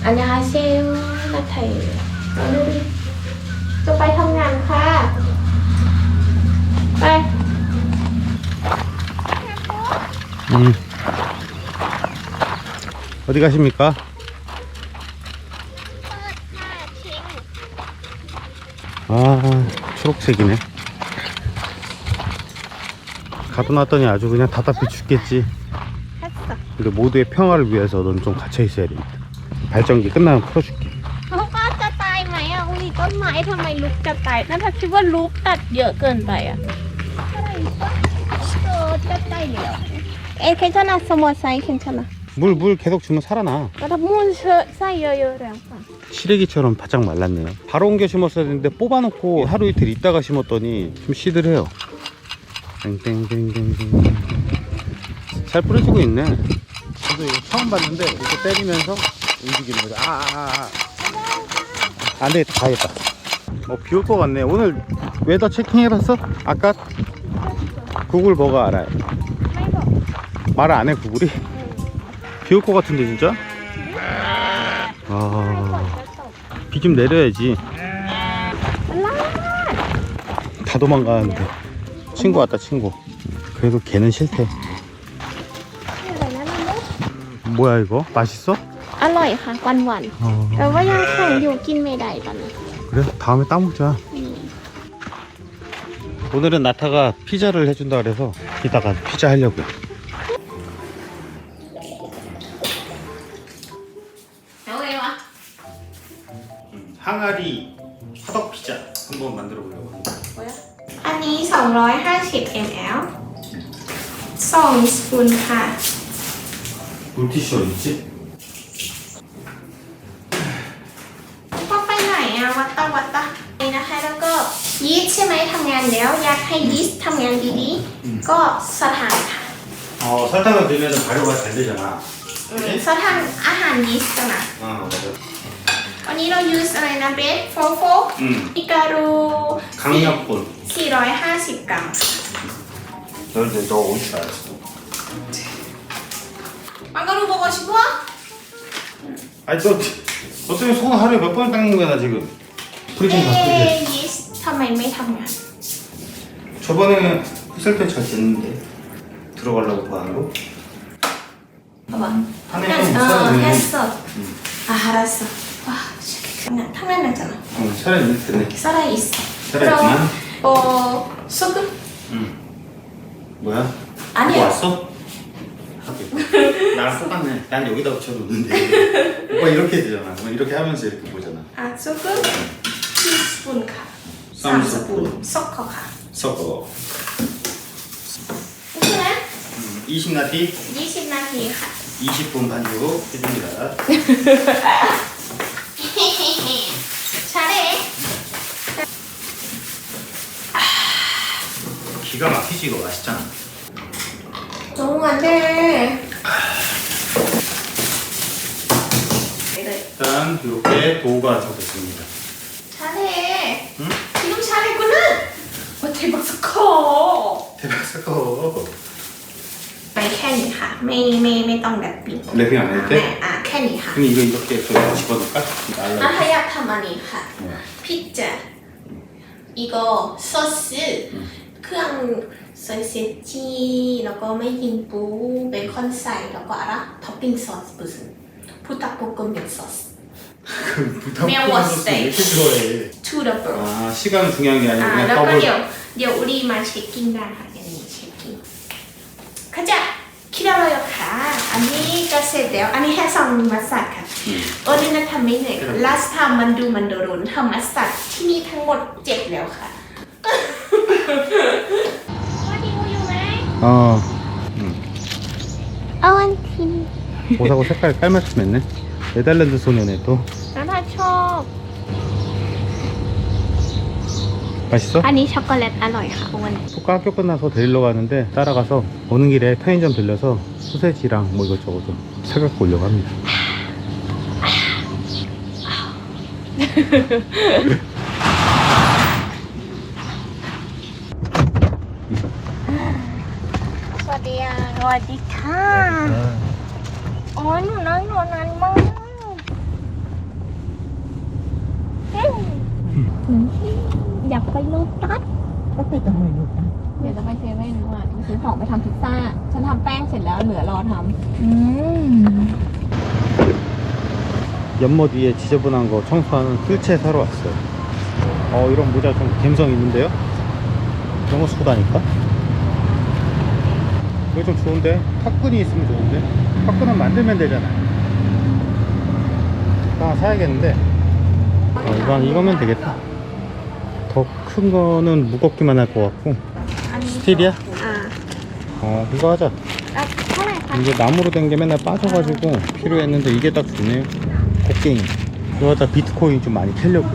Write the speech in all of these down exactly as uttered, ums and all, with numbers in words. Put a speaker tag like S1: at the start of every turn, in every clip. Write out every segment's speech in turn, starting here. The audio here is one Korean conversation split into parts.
S1: 안녕하세요.นัทไทยจะไปทำงานค่ะไป
S2: 음. 어디 가십니까? 아, 초록색이네. 가둬놨더니 아주 그냥 답답해 죽겠지. 근데 모두의 평화를 위해서 넌 좀 갇혀 있어야 됩니다. 발전기 끝나면 풀어줄게.
S1: เขาก็จะตายไหมอ่ะอุ้ยต้นไม้ทำไมลุกจะตายนั่นถ้าคิดว่าลุกตัดเยอะเกินไปอ่ะอะไรก็เออจะตายแล้วเอ๊ะ괜찮아สมอไซ괜찮아
S2: 물, 물 계속 주면 살아나.
S1: ก็ถ้ามูนเชอะใส่เยอะๆแล้วค่ะ
S2: 시래기처럼 바짝 말랐네요. 바로 옮겨 심었어야 되는데 뽑아놓고 하루 이틀 있다가 심었더니 좀 시들해요. 땡땡땡땡땡. 잘 뿌려지고 있네. 저도 이거 처음 봤는데 이렇게 때리면서 움직이는 거죠. 아, 아, 아. 안 되겠다, 가야겠다. 어, 비 올 것 같네. 오늘 웨더 체킹 해봤어? 아까? 구글 뭐가 알아요? 말 안 해, 구글이? 비 올 것 같은데, 진짜? 아, 비 좀 내려야지. 다 도망가는데. 친구 왔다, 친구. 그래도 걔는 싫대. 뭐야, 이거? 맛있어?
S1: อร่อยค่ะหวานๆแต่ว่ายังแข็งอยู่กินไม่ได้ตอนนี้
S2: 그래? 다음에 따먹자. 오늘은 나타가 피자를 해준다 그래서 이따가 피자 하려고요. 항아리 화덕 피자 한번 만들어 보려고 합니다.
S1: อันนี้สองร้อยห้าสิบมิลลิลิตรสองสปูนค่ะ
S2: 물티슈 어딨지?
S1: ก็ไปไหนอะวัดตาวัดตานี่นะคะแล้วก็ยีสต์ใช่ไหมทำงานแล้วอยากให้ยีสต์ทำงานดีๆก็สถานค่ะ
S2: 어 설탕을 넣으면 발효가 잘 되잖아.
S1: อืมสถานอาหารยีสต์กันนะ
S2: 아 맞아.
S1: วันนี้เรา use อะไรนะเบสโฟโฟ
S2: 음
S1: อิการู
S2: 강력분.
S1: สี่ร้อยห้าสิบกรัม
S2: 너도 너 올 줄 알았어.
S1: มันก็รู้บอกว่าชิบัว
S2: 아니 너, 너 때문에 손 하루에 몇 번 닦는 거야 나 지금.
S1: เอ
S2: 프리징 다 프리징.
S1: ยีสต์ทำไมไม่ทำงาน
S2: 저번에는 휘슬 때잘 됐는데 들어가려고 그 안으로.
S1: เอาวะ
S2: 안에
S1: งั้น
S2: 좀
S1: เออ
S2: 있어야
S1: แฮ
S2: 되네.
S1: สเซอร์อาหารสดว้าวทำงานทำงานなんじゃない
S2: 응, 차라리 이렇게 됐네.
S1: สไลด์
S2: 살아있구만.
S1: 어 소금
S2: 응. 뭐야?
S1: 아니요.
S2: 뭐 왔어? 하긴. 나랑 똑같네. 난 여기다 붙여놓는데 오빠 이렇게 되잖아. 뭐 이렇게 하면서 이렇게 보잖아.
S1: 아 소금 티스푼 가
S2: 삼 스푼.
S1: 섞어 가
S2: 섞어.
S1: 그래?
S2: 음, 이십 나티
S1: 이십 나티 가
S2: 이십 분 반죽 해줍니다.
S1: 잘해
S2: 기가 막히지 이거 맛있잖아.
S1: 너무 안돼
S2: 일단 이렇게 도우가 완성됐습니다.
S1: 잘해
S2: 응?
S1: 지금 잘했구나 와 대박 커
S2: 대박 사커.
S1: ไปแค่นี้ค่ะไม่ไม่ไม่ต้องแบบปิด
S2: 랩핑 안 해도
S1: แม่
S2: 돼?
S1: อ่ะแค่นี้ค่ะ
S2: 그럼 이거 이렇게 저기 집어넣을까?
S1: อ่ะถ้า
S2: 날라.
S1: อยากทำอันนี้ค่ะ
S2: 뭐야?
S1: พิซซ่าอีกซอสเครื่องซอยเซจีแล้วก็ไม่ยิงปูเบคอนใส่แล้วก็อะไรท็อปปิ้งซอสปุ๊บพุทธปุกกมิซอส
S2: 부탁
S1: 매워
S2: 소스 왜 이렇게 좋아해?
S1: to the b r
S2: 아 시간은 중요한 게
S1: อ่า
S2: 아니고
S1: แล้ว
S2: 그냥
S1: ก็
S2: 더블.
S1: เดี๋ยวเดี๋ยวอุรีมาเช็คกิ้งได้ค่ะอย่างนี้เช็คกิ้งเข้าใจคิดอะไรอยู่ค่ะอันนี้ก็เสร็จแล้วอันนี้แค่ซองมัสตัร์ดค่ะโอริน่าทำไม่เหนื่อย last time มันดูมันโดนทำมัสตัร์ดที่นี่ทั้งหมดเจ็ดแล้วค่ะว่าดีอยู่ไหม
S2: 어. 응.
S1: เอาอันที
S2: 옷하고 색깔 깔맞춤 했네. 네덜란드 소년에 또
S1: แล้วถ้าชอบ
S2: 맛있어?
S1: อันนี้ช็อกโกแลตอร่อยค่ะอ้วน
S2: 토카 학교 끝나서 데리러 가는데 따라가서 오는 길에 편의점 들려서 소세지랑 뭐 이것저것 좀 사갖고 오려고 합니다. สวัสดีค่ะสวัสดีค่ะอ๋อหนูนั่งรอนานมาก
S1: อยากไปโลตัส
S3: ก็ไปตรงไหนลูกนะ
S1: เดี๋ยวจะไปเซเว่นว่าจะซื้อของไปทำพิซซ่า ฉันทำแป้งเสร็จแล้วเหลือรอท
S3: อืม
S2: 연못 위에 지저분한 거 청소하는 뜰채 사러 왔어요. 어 이런 모자 좀 감성 있는데요? 이런 거 쓰고 다니까? 이거 좀 좋은데? 탑끈이 있으면 좋은데? 탑끈은 만들면 되잖아요. 하나 사야겠는데 어, 이건, 이거면 되겠다. 더 큰 거는 무겁기만 할 것 같고
S1: ำอันนี้
S2: 스틸이야?
S1: อ่า
S2: 어 이거 하자.
S1: อ่ะเท่าไหร่คะ
S2: 이게 나무로 된 게 맨날 빠져가지고 필요했는데 이게 딱 좋네요. 곡괭이. 이거 갖다 비트코인 좀 많이 캐려고.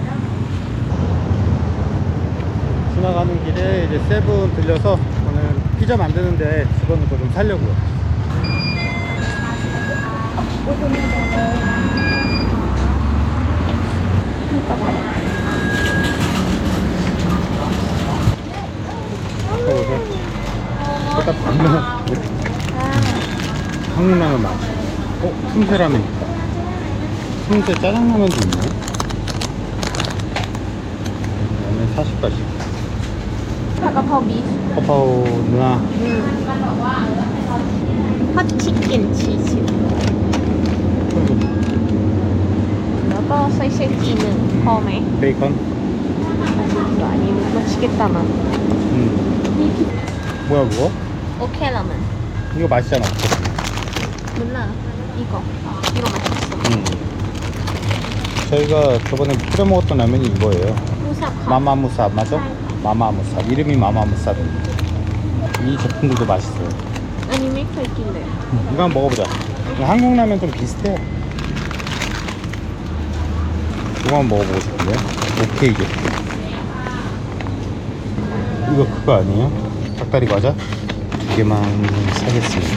S2: 지나가는 길에 이제 세븐 들려서 오늘 피자 만드는데 집어넣은 거 좀 사려고요. 먹어보세요. 일단 반면 한국 라면 맛있어. 어? 틈새 라면 있다. 틈새 짜장라면도 있네. 라면 사십 가지.
S1: ผัดกะเพราบีฟ
S2: 파파오 누나
S1: ฮอตชิคเก้นชีสแล้วก็ไส้เช็คทีหนึ่งพอไหม
S2: 베이컨.
S1: อันนี้มาชิเกตตามัน
S2: 음. 뭐야 그거?
S1: โอเคแล้วมัน
S2: 이거 맛있잖아.
S1: 몰라 이거 이거 맛있어
S2: 음. 저희가 저번에 끓여 먹었던 라면이 이거예요.
S1: มูสับค่ะ
S2: 마마무삽 맞아? 마마무삽. 이름이 마마무삽입니다. 이 제품들도 맛있어요.
S1: อันนี้ไม่เคยกินเลย
S2: 음, 이거 한번 먹어보자. 한국 라면 좀 비슷해. 이거 한번 먹어보고 싶은데. 오케이 이게. 이거 그거 아니에요? 닭다리 과자? 두 개만 사겠습니다.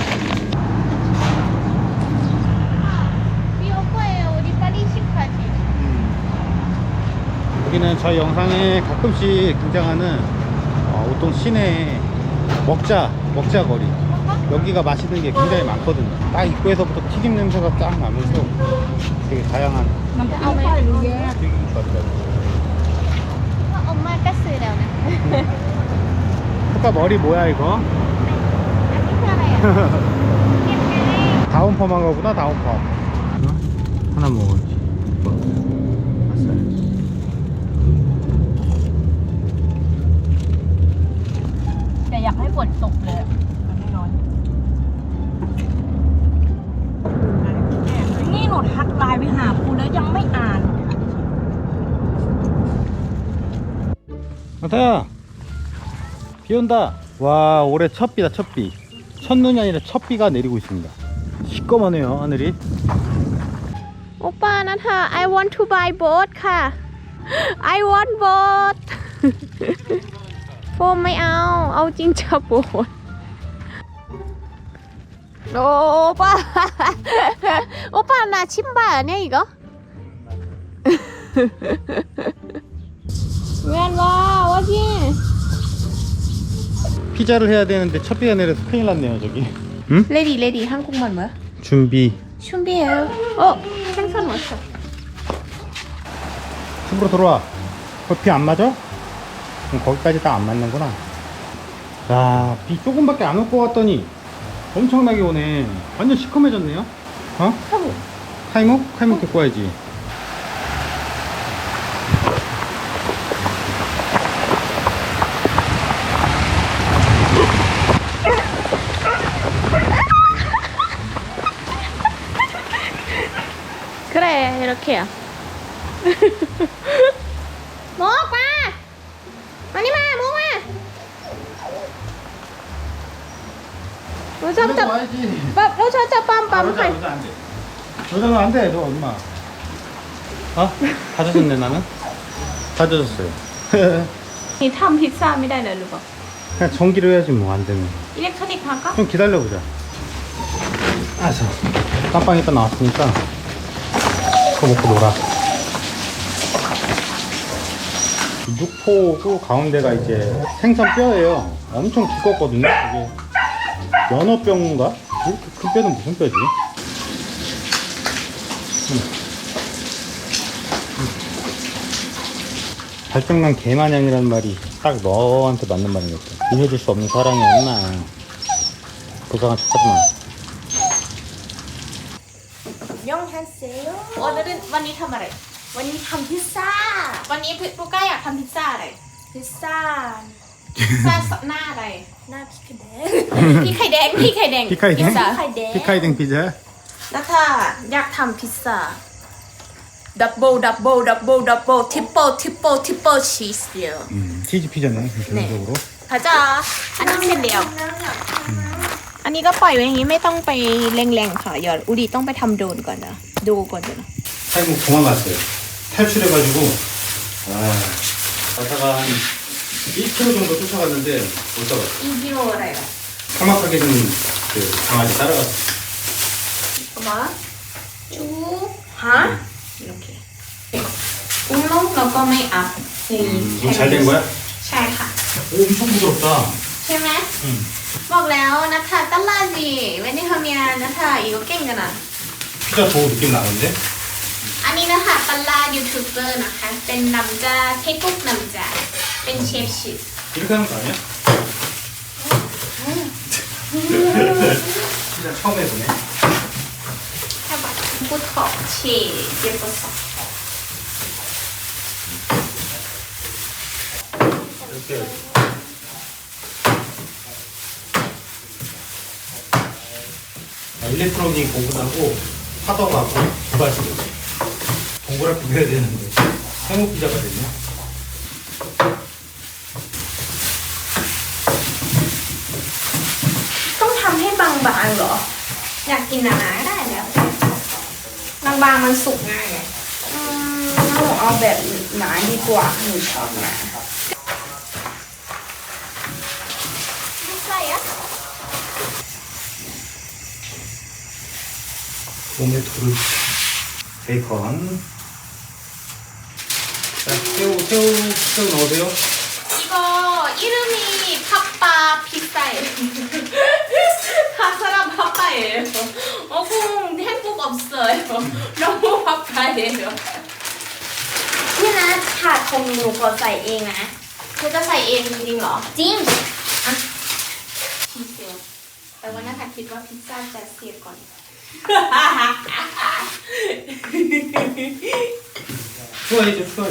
S1: พี่โอโก้เอลดิปารีชิคาจิ
S2: 여기는 저희 영상에 가끔씩 등장하는 어, 우동 시내 먹자 먹자 거리. 여기가 맛있는 게 굉장히 많거든요. 딱 입구에서부터 튀김 냄새가 쫙 나면서 되게 다양한
S3: น้ำจิ้มไข่หรือแยก
S2: 튀김밥이라고.
S1: ก็อมมากก็ซื้อแล้วนะ
S2: 아까 머리 뭐야 이거?
S1: อันนี้คืออะไรอ่ะ เก็บไง
S2: 다운펌한 거구나 다운펌. 하나 먹어야지. 아싸.
S3: แต่อยากให้ฝนตกเลยอะมันไม่ร้อนนี่หนูทักไลน์ไปหาครูแล้วยังไม่อ่าน
S2: 아타야 비 온다. 와 올해 첫 비다 첫 비. 첫눈이 아니라 첫 비가 내리고 있습니다. 시꺼머네요 하늘이.
S1: โอป้านะเธอ I want to buy boat ค่ะ I want boat โฟมไม่เอา เอาจริงจะโบดโอป้า โอป้าน่าชิมบ้าเนี่ยอีกเหรอ เวียนว่าว่าจี
S2: 피자를 해야 되는데 첫 비가 내려서 큰일 났네요 저기. 응?
S1: 레디 레디 한국말 뭐야?
S2: 준비.
S1: 준비해요. 어 생선 왔어.
S2: 집으로 들어와. 비 안 맞아? 그럼 거기까지 딱 안 맞는구나. 야, 비 조금밖에 안 올 것 같더니 엄청나게 오네. 완전 시커매졌네요. 어?
S1: 타고.
S2: 타이머? 타이머 데리고 와야지.
S1: 그래 이렇게야. 먹 마. 많이 마 먹 마. 로저부터
S2: 와야지.
S1: 빰 로저부터 빰빰
S2: 여자 여자 안 돼. 여자는 안 돼. 너 엄마. 어? 다 젖었네 나는. 다 젖었어요.
S1: นี่ทำพิซซ่าไม่ได้เลยหรือเปล่า
S2: 그냥 전기로 해야지 뭐 안 되면.
S1: อิเล็กทรอนิกส์พังก็
S2: 좀 기다려보자. 알았어. 깜빵 있다 나왔으니까 그거 먹고 놀아. 육포고 가운데가 이제 생선 뼈예요. 엄청 두껍거든요. 이게 연어뼈인가? 이렇게 큰 뼈는 무슨 뼈지? 음. 음. 발정난 개마냥이라는 말이 딱 너한테 맞는 말이겠다. 이해줄 수 없는 사랑이야 임마. 불쌍한 척하지마.
S1: 안녕하세요. 오늘은 วันนี้ทำอะไร วันนี้ทำพิซซ่า วันนี้ปูก้าอยากทำพิซซ่าอะไร พิซซ่า พิซซ่าหน้าอะไร หน้าพริกไข่แดง พริกไข่แดง พริกไข่แดง
S2: 피카이댕?
S1: พิซซ่าไข่แดง
S2: 피카이댕 피자?
S1: นัทธาอยากทำพิซซ่า ดับเบิลดับเบิลดับเบิลดับเบิลทริปเปิลทริปเปิลทริปเปิลชีสเดียว
S2: 음, 치즈 피자네 기본적으로.
S1: พระเจ้าอันนี้เสร็จแล้ว อันนี้ก็ปล่อยไว้อย่างนี้ไม่ต้องไปแรงๆค่ะเดี๋ยวอุดีต้องไปทำโดรนก่อนนะดูก่อนเดี๋ยวนะ
S2: 탈북 도망갔어요. 탈출해가지고 아 가다가 한 일 킬로미터 정도 쫓아갔는데 못 잡았어.
S1: อีกิโลอะไรล่ะ
S2: 삭막하게 된그 강아지 따라갔어.
S1: ประมาณจูฮะโอเคอุ้งลงแล้วก็ไม่อัพ
S2: 음, 잘 된 거야?
S1: ใช่ค่ะ
S2: 오, 엄청 부드럽다.
S1: ใช่ไหม
S2: 응.
S1: บอกแล้วนะคะตลาดดีเว้นที่ทำงานนะคะอีกก็เก่งกันนะ
S2: 피자 도우 느낌 나는데?
S1: อันนี้นะคะตลาดยูทูบเบอร์นะคะเป็นนำจาเทคุกนำจาเป็นเชฟชิฟ
S2: 이렇게 하는 거 아니야? 피자 처음 해보네.
S1: แค่แบบพูดขอบเชฟเย็บประสอบ
S2: 이렇게 아, 일렉트로닉 공부하고 파더하고 두 가지 동그랗게 해야 되는데 생후 피자가 됐네.
S1: ต้องทำให้บางๆเหรอ อยากกินหนาๆก็ได้แล้วบางๆมันสุกง่ายไง
S3: อืมหนูเอาแบบหนาดีกว่าหนูชอบหนา
S1: ไม่ใช่อะ
S2: 토마토를 베이컨. 자, 새우, 새우, 새우 넣으세요.
S1: 이거 이름이 팥바 피자예요. 사람 팥바예요. 어공 행복 없어요. 너무 팥바예요.
S3: พี่นะถาดคงหนูขอใส่เองนะ
S1: 그จะใส่เองจริงๆเหรอ
S3: จริง
S1: ชีสเซลแต่ว่าน่าจะคิดว่าพิซซ่าจะเสียก่อน
S2: 추가해줘, 추가해.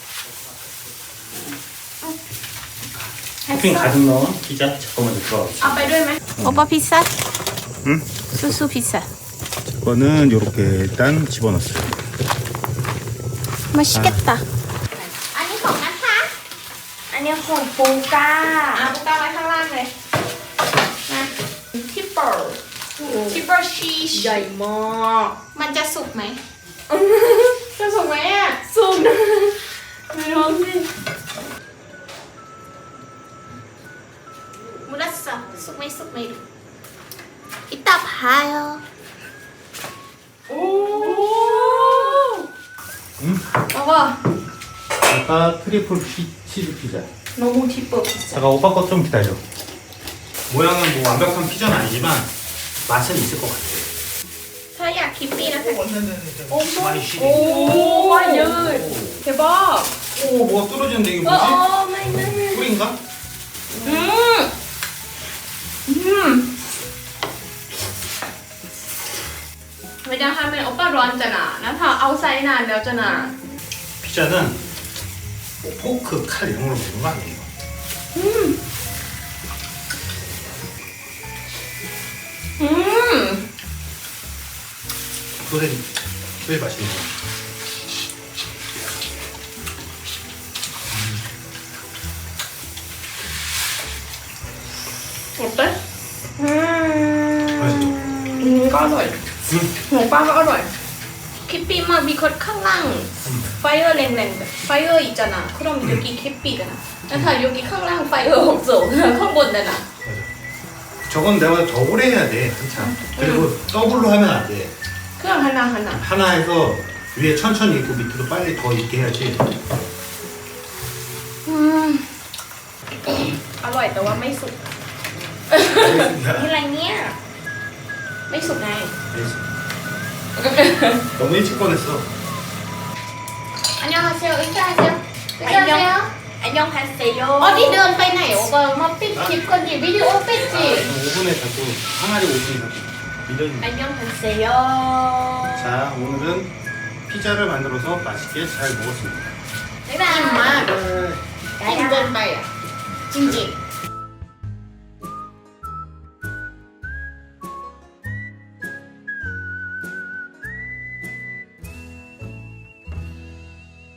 S2: 토핑 가득 넣은 피자 잠깐만 들어가.
S1: เอาไปด้วยไหมโอปาพิซซ่า
S2: 응?
S1: สู้ๆพิซซ่า
S2: 이거는 이렇게 일단 집어넣었어요.
S1: 맛있겠다. อันนี้ของนะคะ
S3: อันนี้ของปูก้า
S1: เอาปุ๊กก้าไว้ข้างล่างเลยนะทิปเปิลทิปเปิลชีส
S3: ใหญ่มาก
S1: มันจะสุกไหม จะสุกไหมอ่ะ สุกนะไม่รู้สิมุลัสซะสุกไหมสุกไหมดูอิตาพายอ่ะโอ้
S2: 응?
S1: แล้วก็
S2: 아까 트리플 피, 치즈 피자.
S1: 너무 티뻐 피자
S2: 잠깐 오빠 것 좀 기다려. 모양은 뭐 완벽한 피자는 아니지만 맛은 있을 것 같아.
S1: เธออยากคิปปี้นะคะ
S2: 많이 시리.
S3: โอ้ยยืดเทบอ
S2: 오, 뭐가 떨어지는데 이게
S3: เออ
S2: 뭐지?
S3: โอ้ไม่ไม่ไม่
S2: 꿀인가?
S1: อืมอืมไม่ได้ทำเป็นโอปป้าร้อนจังนะนะถ้าเอาไซนานแล้วจังนะ
S2: 피자는 뭐 포크, 칼 이런 걸로 먹는 거 아니에요?
S1: 음. 음.
S2: 그래, 제일 맛있는 거.
S1: 어때? 음.
S2: 맛있죠?
S3: อืมก็อร่อย
S2: 응.
S3: หัวปลาก็อร่อย
S1: 키피만 미컷 캉랑 파이어 랭랭 파이어 있잖아. 그럼 여기 키피잖아. 나 여기 캉랑 파이어 없어. 캉본다나.
S2: 맞아. 저건 내가 더 오래 해야 돼, 한참. 그리고 더블로 하면 안 돼.
S1: 그냥 하나 하나.
S2: 하나 해서 위에 천천히 있고 밑에도 빨리 더 있게 해야지.
S1: 음. อร่อยแต่ว่าไม่สุก
S3: นี่อะไรเนี่ย
S1: ไม่สุกไง
S2: 너무 일찍 꺼냈어.
S1: 안녕하세요. 인사하세요. 안녕
S3: 안녕하세요.
S1: 어디 เดินไปไหนโอเปอร์มาปิดคลิปก่อนดิวิดีโอปิดสิ
S2: 오븐에 자꾸 항아리 오븐에 자꾸 밀려있네.
S3: 안녕하세요.
S2: 자, 오늘은 피자를 만들어서 맛있게 잘 먹었습니다.
S1: อิ่มมากกินเกินไปอ่ะจริงๆ